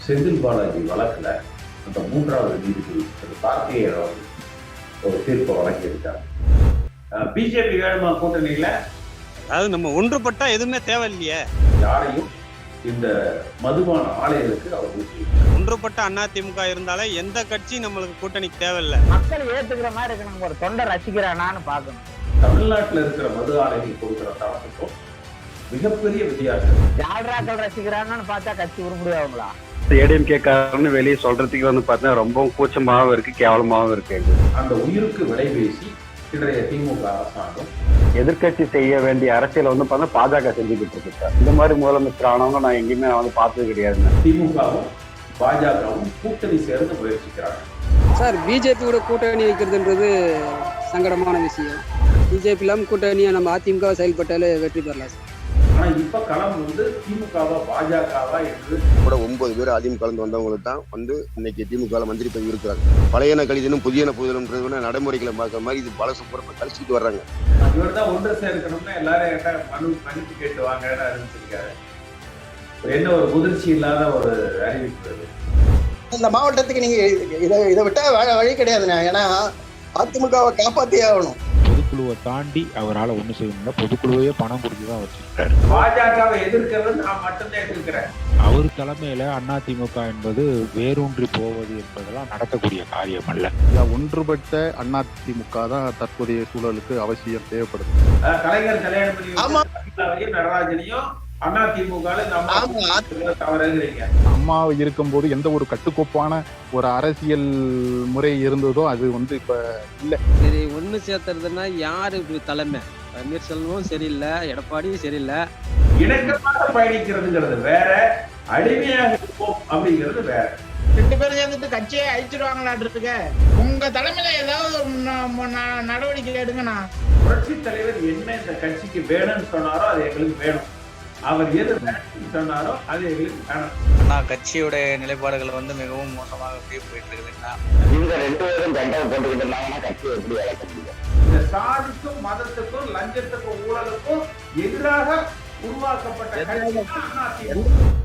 செந்தில் பாலாஜி வழக்குல அந்த மூன்றாவது நீதிபதி திரு கார்த்திகேயன் அவர்கள் ஒரு தீர்ப்பை வழங்கியிருக்காங்க. பிஜேபி வேணுமா கூட்டணியில? அதாவது நம்ம ஒன்றுபட்டா எதுவுமே தேவையில்லையே. யாரையும் இந்த மதுபான ஆலைகளுக்கு அவர் ஊற்றி ஒன்றுபட்ட அதிமுக இருந்தாலே எந்த கட்சி நம்மளுக்கு கூட்டணிக்கு தேவையில்லை. மக்கள் ஏத்துக்கிற மாதிரி இருக்கு. நம்ம ஒரு தொண்டை ரசிக்கிறானான்னு பாக்கணும். தமிழ்நாட்டில் இருக்கிற மது ஆலைகள் கொடுக்கிற தரத்துக்கும் மிகப்பெரிய வித்தியாசம். ஜால்ராக்கள் ரசிக்கிறாங்கன்னு பார்த்தா கட்சி உருப்படியாகுங்களா? ஏடிஎம்கே காரன்னு வெளியே சொல்றதுக்கு பார்த்தா ரொம்ப கூச்சமாகவும் இருக்கு, கேவலமாகவும் இருக்கு. அந்த உயிருக்கு விலை பேசி இன்றைய திமுக அரசாங்கம் எதிர்கட்சி செய்ய வேண்டிய அரசியல் பார்த்தா பாஜக செஞ்சுக்கிட்டு இருக்கு சார். இந்த மாதிரி முதலமைச்சர் ஆனவங்க நான் எங்கேயுமே பார்த்தது கிடையாது. திமுகவும் பாஜகவும் கூட்டணி சேர்ந்து முயற்சிக்கிறாங்க. சார், பிஜேபியோட கூட்டணி வைக்கிறதுன்றது சங்கடமான விஷயம். பிஜேபி இல்லாமல் கூட்டணியை நம்ம அதிமுக செயல்பட்டாலே வெற்றி பெறலாம் சார். ஆனா இப்ப களம் திமுகவா பாஜகவா என்று கூட 9 பேர் அதிமுக கலந்து வந்தவங்களுக்கு தான் இன்னைக்கு திமுக மந்திரி பதவி இருக்கிறாங்க. பழையன கழிதனும் புதியன புதியனம்ன்றது நடைமுறைகளை பார்க்குற மாதிரி இது பல சுப்புறமா கழிச்சுட்டு வர்றாங்க. இவர் தான் ஒன்று சேர்க்கணும்னா எல்லாரும் மன்னிப்பு கேட்டு வாங்கன்னு அறிவிச்சிருக்காரு. என்ன ஒரு முதிர்ச்சி இல்லாத ஒரு அறிவிப்பு. இந்த மாவட்டத்துக்கு நீங்க இதை விட்டா வழி கிடையாதுண்ணா. ஏன்னா அதிமுகவை காப்பாத்தியே ஆகணும். பொதுக்குழுவை தாண்டி அவரால் ஒண்ணு செய்யணும்னா பொதுக்குழுவையே பணம் கொடுத்துதான் வச்சிருக்காரு. பாஜகவை எதிர்க்கிறது நான் மட்டும்தான் எதிர்க்கிறேன். அவர் தலைமையில அதிமுக என்பது வேரூன்றி போவது என்பதெல்லாம் நடக்கக்கூடிய காரியம் அல்ல. ஒன்றுபட்ட அதிமுக தான் தற்போதைய சூழலுக்கு அவசியம் தேவைப்படுது. கலைஞர் கல்யாணம் பண்ணி நடராஜனையும் அம்மா இருக்கும்போது எந்த ஒரு கட்டுக்கோப்பான ஒரு அரசியல் முறை இருந்ததோ அது இப்ப இல்ல. சரி, ஒண்ணு சேர்த்துறதுன்னா யாரு தலைமை? பன்னீர்செல்வம் சரியில்லை, எடப்பாடியும் சரியில்லை. இணக்கமாக பயணிக்கிறதுங்கிறது வேற, அடிமையாக இருப்போம் அப்படிங்கிறது வேற. 2 பேரும் சேர்ந்துட்டு கட்சியை அழிச்சிருவாங்களாட்டு. உங்க தலைமையில ஏதாவது நடவடிக்கை எடுங்கண்ணா. புரட்சி தலைவர் என்ன இந்த கட்சிக்கு வேணும்னு சொன்னாரோ அது எங்களுக்கு வேணும். அவர் எது சொன்னாரோ அது எங்களுக்கு வேணும். கட்சியோட நிலைப்பாடுகள் மிகவும் மோசமாக போயிட்டு இருக்குதுன்னா இந்த 2 பேரும் கண்டனம் போட்டுக்கிட்டு இருந்தாங்கன்னா கட்சியை எப்படி வளர்க்க முடியும்? இந்த சாதிக்கும் மதத்துக்கும் லஞ்சத்துக்கும் ஊழலுக்கும் எதிராக உருவாக்கப்பட்ட கட்சி